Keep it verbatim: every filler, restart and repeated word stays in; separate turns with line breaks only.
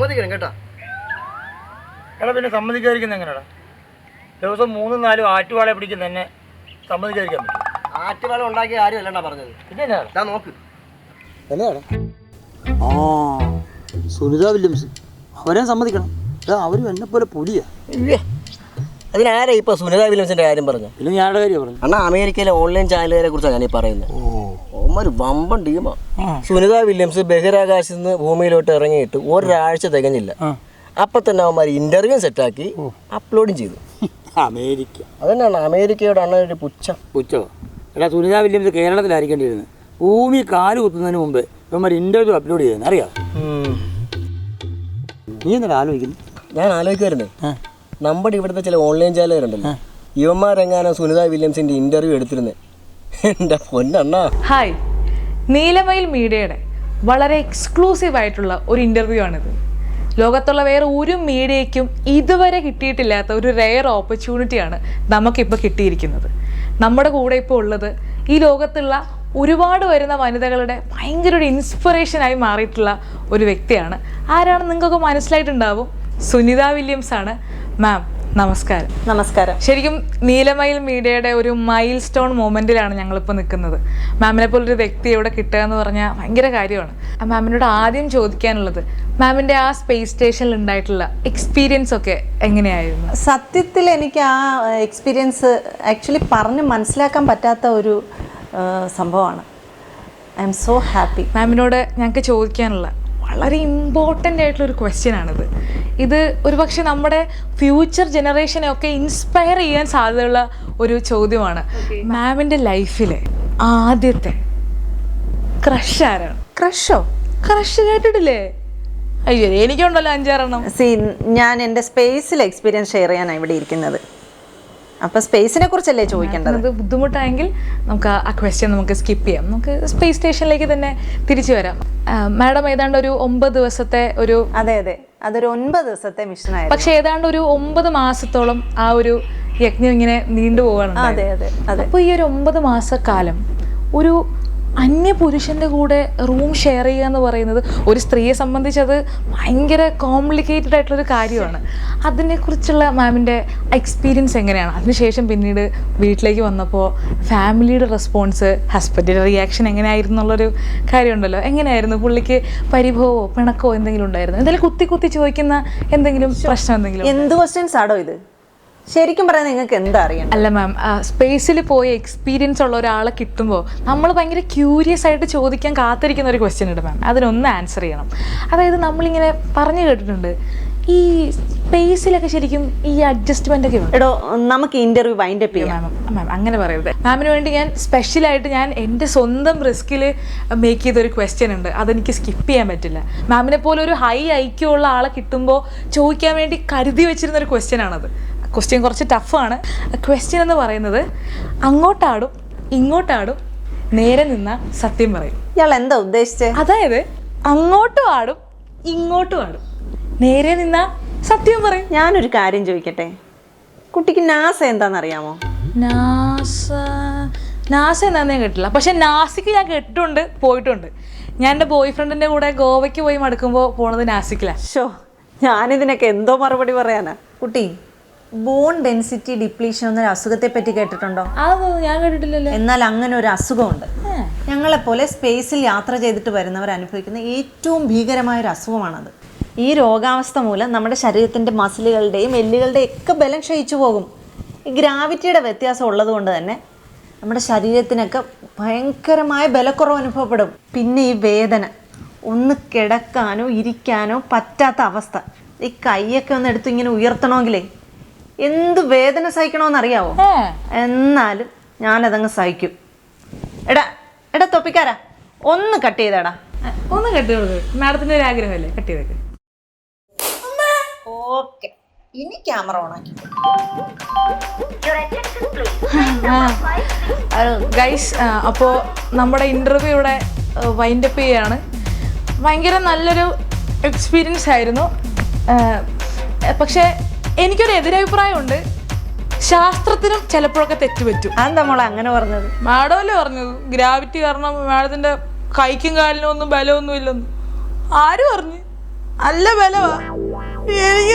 സമ്മതിക്കണം കേട്ടാ.
എടാ പിന്നെ സമ്മതിക്കാതിരിക്കുന്നത് എങ്ങനെയാടാ? ദിവസം മൂന്നും നാലും ആറ്റുവാളെ പിടിക്കുന്ന തന്നെ സമ്മതിക്കാതിരിക്കാൻ പറ്റും?
ആറ്റുവാള ഉണ്ടാക്കിയ ആരും അല്ലണ്ടാ പറഞ്ഞത്.
പിന്നെ എന്നാ
നോക്ക്
എന്നാടാ? ആ സുനിത വില്യംസ് അവരെ സമ്മതിക്കണം. അവരും എന്നെ പോലെ പുലിയാ.
അതിനാരാ ഇപ്പൊ സുനിത വില്യംസിന്റെ കാര്യം പറഞ്ഞു?
പിന്നെ ഞാനുടെ കാര്യം പറഞ്ഞു.
അണ്ണാ അമേരിക്കയിലെ ഓൺലൈൻ ചാനലുകാരെ കുറിച്ചാണ് ഞാൻ ഈ പറയുന്നത്. ഒരു വമ്പൻ ടീമാ. സുനിത വില്യംസ് ബഹിരാകാശത്ത് നിന്ന് ഭൂമിയിലോട്ട് ഇറങ്ങിയിട്ട് ഒരാഴ്ച തികഞ്ഞില്ല, അപ്പൊ തന്നെ അവന്മാർ ഇന്റർവ്യൂ സെറ്റാക്കി അപ്ലോഡും ചെയ്തു.
അമേരിക്ക
അതന്നെയാണ് അമേരിക്കയുടെ അണ്ണ ഒരു പുച്ഛം.
പുച്ഛോ? എടാ സുനിത വില്യംസ് കേരളത്തിലായിരിക്കേണ്ടിയിരുന്നത്. ഭൂമി കാല് കുത്തുന്നതിന് മുമ്പ് ഇവന്മാർ ഇന്റർവ്യൂ അപ്ലോഡ് ചെയ്തെന്ന് അറിയാം. നീ എന്താ ആലോചിക്കുന്നു?
ഞാൻ ആലോചിക്കുമായിരുന്നേ, നമ്മുടെ ഇവിടുത്തെ ചില ഓൺലൈൻ ചാനലുകാരുണ്ടല്ലോ, ഇവന്മാരെങ്ങാനും സുനിത വില്യംസിന്റെ ഇന്റർവ്യൂ എടുത്തിരുന്നേ. എൻ്റെ പൊന്നണ്ണാ.
ഹായ്, നീലമയിൽ മീഡിയയുടെ വളരെ എക്സ്ക്ലൂസീവ് ആയിട്ടുള്ള ഒരു ഇൻ്റർവ്യൂ ആണിത്. ലോകത്തുള്ള വേറെ ഒരു മീഡിയയ്ക്കും ഇതുവരെ കിട്ടിയിട്ടില്ലാത്ത ഒരു റെയർ ഓപ്പർച്യൂണിറ്റിയാണ് നമുക്കിപ്പോൾ കിട്ടിയിരിക്കുന്നത്. നമ്മുടെ കൂടെ ഇപ്പോൾ ഉള്ളത് ഈ ലോകത്തുള്ള ഒരുപാട് വരുന്ന വനിതകളുടെ ഭയങ്കര ഒരു ഇൻസ്പിറേഷനായി മാറിയിട്ടുള്ള ഒരു വ്യക്തിയാണ്. ആരാണെന്ന് നിങ്ങൾക്കൊക്കെ മനസ്സിലായിട്ടുണ്ടാവും. സുനിത വില്യംസ് ആണ്. മാം നമസ്കാരം.
നമസ്കാരം.
ശരിക്കും നീലമയിൽ മീഡിയയുടെ ഒരു മൈൽ സ്റ്റോൺ മൊമെൻറ്റിലാണ് ഞങ്ങളിപ്പോൾ നിൽക്കുന്നത്. മാമിനെ പോലൊരു വ്യക്തി ഇവിടെ കിട്ടുക എന്ന് പറഞ്ഞാൽ ഭയങ്കര കാര്യമാണ്. മാമിനോട് ആദ്യം ചോദിക്കാനുള്ളത്, മാമിൻ്റെ ആ സ്പേസ് സ്റ്റേഷനിൽ ഉണ്ടായിട്ടുള്ള എക്സ്പീരിയൻസ് ഒക്കെ എങ്ങനെയായിരുന്നു?
സത്യത്തിൽ എനിക്ക് ആ എക്സ്പീരിയൻസ് ആക്ച്വലി പറഞ്ഞ് മനസ്സിലാക്കാൻ പറ്റാത്ത ഒരു സംഭവമാണ്. I am so happy.
മാമിനോട് ഞങ്ങൾക്ക് ചോദിക്കാനുള്ള വളരെ ഇമ്പോർട്ടൻ്റ് ആയിട്ടുള്ളൊരു ക്വസ്റ്റ്യൻ ആണിത്. ഇത് ഒരുപക്ഷെ നമ്മുടെ ഫ്യൂച്ചർ ജനറേഷനെ ഒക്കെ ഇൻസ്പയർ ചെയ്യാൻ സാധ്യതയുള്ള ഒരു ചോദ്യമാണ്. മാമിൻ്റെ ലൈഫിലെ ആദ്യത്തെ ക്രഷ് ആരാണ്?
ക്രഷോ?
ക്രഷ് കേട്ടിട്ടില്ലേ? അയ്യോ, എനിക്കുണ്ടല്ലോ അഞ്ചാറെണ്ണം.
സി, ഞാൻ എൻ്റെ സ്പേസിൽ എക്സ്പീരിയൻസ് ഷെയർ ചെയ്യാനാണ് ഇവിടെ ഇരിക്കുന്നത്. അപ്പോൾ സ്പേസിനെ കുറിച്ചല്ലേ ചോദിക്കേണ്ടത്?
ബുദ്ധിമുട്ടായെങ്കിൽ നമുക്ക് ആ ക്വസ്റ്റ്യൻ നമുക്ക് സ്കിപ്പ് ചെയ്യാം. നമുക്ക് സ്പേസ് സ്റ്റേഷനിലേക്ക് തന്നെ തിരിച്ചു വരാം. മാഡം ഏതാണ്ട് ഒരു ഒമ്പത് ദിവസത്തെ ഒരു
അതെ അതെ അതൊരു ഒൻപത് ദിവസത്തെ മിഷനായിരുന്നു.
പക്ഷെ ഏതാണ്ട് ഒരു ഒമ്പത് മാസത്തോളം ആ ഒരു യജ്ഞം ഇങ്ങനെ നീണ്ടുപോവാണ്.
അതെ അതെ അതെ
അപ്പോൾ ഈ ഒരു ഒമ്പത് മാസക്കാലം ഒരു അന്യ പുരുഷൻ്റെ കൂടെ റൂം ഷെയർ ചെയ്യുക എന്ന് പറയുന്നത് ഒരു സ്ത്രീയെ സംബന്ധിച്ചത് ഭയങ്കര കോംപ്ലിക്കേറ്റഡ് ആയിട്ടുള്ളൊരു കാര്യമാണ്. അതിനെക്കുറിച്ചുള്ള മാമിൻ്റെ എക്സ്പീരിയൻസ് എങ്ങനെയാണ്? അതിനുശേഷം പിന്നീട് വീട്ടിലേക്ക് വന്നപ്പോൾ ഫാമിലിയുടെ റെസ്പോൺസ്, ഹസ്ബൻഡിൻ്റെ റിയാക്ഷൻ എങ്ങനെയായിരുന്നു എന്നുള്ളൊരു കാര്യമുണ്ടല്ലോ. എങ്ങനെയായിരുന്നു? പുള്ളിക്ക് പരിഭവമോ പിണക്കോ എന്തെങ്കിലും ഉണ്ടായിരുന്നു? എന്തെങ്കിലും കുത്തി കുത്തി ചോദിക്കുന്ന എന്തെങ്കിലും പ്രശ്നം എന്തെങ്കിലും?
എന്ത് ക്വസ്റ്റ്യൻസ് ആണോ ഇത്? ശരിക്കും പറയാൻ നിങ്ങൾക്ക് എന്താ അറിയാം?
അല്ല മാം, സ്പേസിൽ പോയി എക്സ്പീരിയൻസ് ഉള്ള ഒരാളെ കിട്ടുമ്പോൾ നമ്മൾ ഭയങ്കര ക്യൂരിയസ് ആയിട്ട് ചോദിക്കാൻ കാത്തിരിക്കുന്ന ഒരു ക്വസ്റ്റ്യൻ ഉണ്ട് മാം. അതിനൊന്ന് ആൻസർ ചെയ്യണം. അതായത് നമ്മളിങ്ങനെ പറഞ്ഞു കേട്ടിട്ടുണ്ട് ഈ സ്പേസിലൊക്കെ ശരിക്കും ഈ അഡ്ജസ്റ്റ്മെൻ്റ് ഒക്കെ
എടോ, നമുക്ക് ഇന്റർവ്യൂ വൈൻഡ് അപ്പ് ചെയ്യാം.
മാം അങ്ങനെ പറയരുത്. മാമിന് വേണ്ടി ഞാൻ സ്പെഷ്യലായിട്ട് ഞാൻ എൻ്റെ സ്വന്തം റിസ്കിൽ മേക്ക് ചെയ്തൊരു ക്വസ്റ്റ്യൻ ഉണ്ട്. അതെനിക്ക് സ്കിപ്പ് ചെയ്യാൻ പറ്റില്ല. മാമിനെ പോലെ ഒരു ഹൈ ഐക്യം ഉള്ള ആളെ കിട്ടുമ്പോൾ ചോദിക്കാൻ വേണ്ടി കരുതി വെച്ചിരുന്ന ഒരു ക്വസ്റ്റ്യൻ ആണത്. ക്വസ്റ്റ്യൻ കുറച്ച് ടഫാണ്. ക്വസ്റ്റ്യൻ എന്ന് പറയുന്നത്, അങ്ങോട്ടാടും ഇങ്ങോട്ടാടും നേരെ നിന്ന സത്യം പറയും.
ഇയാൾ എന്താ ഉദ്ദേശിച്ചത്?
അതായത് അങ്ങോട്ടും ആടും ഇങ്ങോട്ടും ആടും, നേരെ നിന്ന സത്യം പറയും.
ഞാനൊരു കാര്യം ചോദിക്കട്ടെ, കുട്ടിക്ക് നാസ എന്താണെന്നറിയാമോ?
നാസ നാസ എന്താണെന്ന് ഞാൻ കേട്ടില്ല. പക്ഷെ നാസിക്ക് ഞാൻ കേട്ടിട്ടുണ്ട്, പോയിട്ടുണ്ട്. ഞാൻ എൻ്റെ ബോയ് ഫ്രണ്ടിൻ്റെ കൂടെ ഗോവയ്ക്ക് പോയി മടുക്കുമ്പോൾ പോണത് നാസിക്കിലാണ്.
ഷോ, ഞാനിതിനൊക്കെ എന്തോ മറുപടി പറയാനാ. കുട്ടി, ബോൺ ഡെൻസിറ്റി ഡിപ്ലീഷൻ എന്നൊരു അസുഖത്തെ പറ്റി കേട്ടിട്ടുണ്ടോ?
അതൊന്നും ഞാൻ കേട്ടിട്ടില്ലല്ലോ.
എന്നാൽ അങ്ങനെ ഒരു അസുഖമുണ്ട്. ഞങ്ങളെപ്പോലെ സ്പേസിൽ യാത്ര ചെയ്തിട്ട് വരുന്നവർ അനുഭവിക്കുന്ന ഏറ്റവും ഭീകരമായ ഒരു അസുഖമാണത്. ഈ രോഗാവസ്ഥ മൂലം നമ്മുടെ ശരീരത്തിൻ്റെ മസിലുകളുടെയും എല്ലുകളുടെയും ഒക്കെ ബലം ക്ഷയിച്ചു പോകും. ഈ ഗ്രാവിറ്റിയുടെ വ്യത്യാസം ഉള്ളത് കൊണ്ട് തന്നെ നമ്മുടെ ശരീരത്തിനൊക്കെ ഭയങ്കരമായ ബലക്കുറവ് അനുഭവപ്പെടും. പിന്നെ ഈ വേദന, ഒന്ന് കിടക്കാനോ ഇരിക്കാനോ പറ്റാത്ത അവസ്ഥ. ഈ കൈയൊക്കെ ഒന്ന് എടുത്ത് ഇങ്ങനെ ഉയർത്തണമെങ്കിലേ എന്ത് വേദന സഹിക്കണമെന്നറിയാവോ? എന്നാലും ഞാനതങ്ങ് സഹിക്കും. എടാ എടാ തൊപ്പിക്കാരാ, ഒന്ന് കട്ട് ചെയ്തേടാ.
ഒന്ന് കട്ട് ചെയ്തത് മാഡത്തിന്റെ ഒരു ആഗ്രഹമല്ലേ? കട്ട് ചെയ്തേക്ക്.
ഓക്കെ, ഇനി ക്യാമറ ഓണാക്കി.
ഗൈസ്, അപ്പോൾ നമ്മുടെ ഇൻ്റർവ്യൂ ഇവിടെ വൈൻഡപ്പ് ചെയ്യാണ്. ഭയങ്കര നല്ലൊരു എക്സ്പീരിയൻസ് ആയിരുന്നു. പക്ഷേ എനിക്കൊരു എതിരഭിപ്രായമുണ്ട്. ശാസ്ത്രത്തിനും ചിലപ്പോഴൊക്കെ തെറ്റുപറ്റും.
അതെന്താ മോളെ അങ്ങനെ പറഞ്ഞത്?
മാഡമല്ലേ പറഞ്ഞത് ഗ്രാവിറ്റി കാരണം മാഡത്തിന്റെ കൈക്കും കാലിനും ഒന്നും ബലമൊന്നും ഇല്ലെന്ന്? ആര് പറഞ്ഞു?
നല്ല ബലവാ. എനിക്ക്